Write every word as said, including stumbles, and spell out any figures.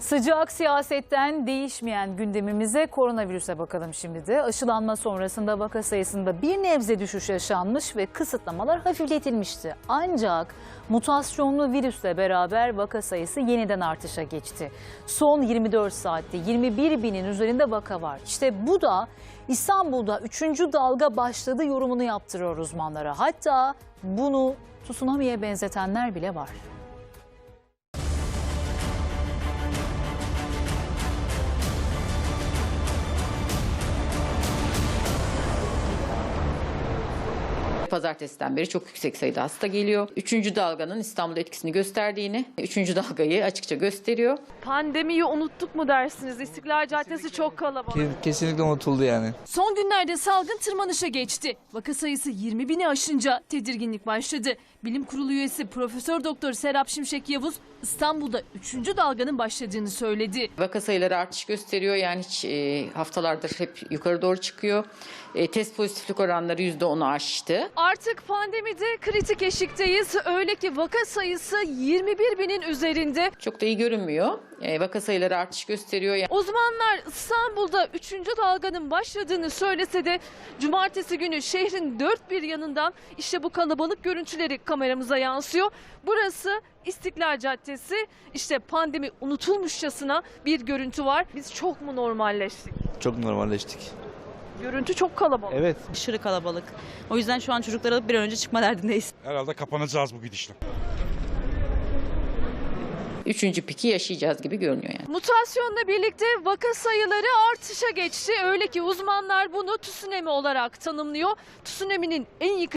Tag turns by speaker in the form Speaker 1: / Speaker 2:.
Speaker 1: Sıcak siyasetten değişmeyen gündemimize koronavirüse bakalım şimdi de. Aşılanma sonrasında vaka sayısında bir nebze düşüş yaşanmış ve kısıtlamalar hafifletilmişti. Ancak mutasyonlu virüsle beraber vaka sayısı yeniden artışa geçti. Son yirmi dört saatte yirmi bir binin üzerinde vaka var. İşte bu da İstanbul'da üçüncü dalga başladı yorumunu yaptırıyor uzmanlara. Hatta bunu tsunami'ye benzetenler bile var.
Speaker 2: Pazartesiden beri çok yüksek sayıda hasta geliyor. Üçüncü dalganın İstanbul'da etkisini gösterdiğini, üçüncü dalgayı açıkça gösteriyor.
Speaker 3: Pandemiyi unuttuk mu dersiniz? İstiklal Caddesi çok kalabalık.
Speaker 4: Kesinlikle unutuldu yani.
Speaker 5: Son günlerde salgın tırmanışa geçti. Vaka sayısı yirmi bini aşınca tedirginlik başladı. Bilim Kurulu üyesi Profesör Doktor Serap Şimşek Yavuz İstanbul'da üçüncü dalganın başladığını söyledi.
Speaker 2: Vaka sayıları artış gösteriyor. Yani hiç e, haftalardır hep yukarı doğru çıkıyor. E, test pozitiflik oranları yüzde onu aştı.
Speaker 3: Artık pandemide kritik eşikteyiz. Öyle ki vaka sayısı yirmi bir binin üzerinde.
Speaker 2: Çok da iyi görünmüyor. E, vaka sayıları artış gösteriyor. Yani
Speaker 3: Uzmanlar İstanbul'da üçüncü dalganın başladığını söylese de cumartesi günü şehrin dört bir yanından işte bu kalabalık görüntüleri kameramıza yansıyor. Burası İstiklal Caddesi. İşte pandemi unutulmuşçasına bir görüntü var. Biz çok mu normalleştik?
Speaker 4: Çok normalleştik.
Speaker 3: Görüntü çok kalabalık.
Speaker 4: Evet.
Speaker 6: Aşırı kalabalık. O yüzden şu an çocukları alıp bir an önce çıkma derdindeyiz.
Speaker 7: Herhalde kapanacağız bu gidişle.
Speaker 2: üçüncü piki yaşayacağız gibi görünüyor yani.
Speaker 3: Mutasyonla birlikte vaka sayıları artışa geçti. Öyle ki uzmanlar bunu tsunami olarak tanımlıyor. Tsunami'nin en yıkıcı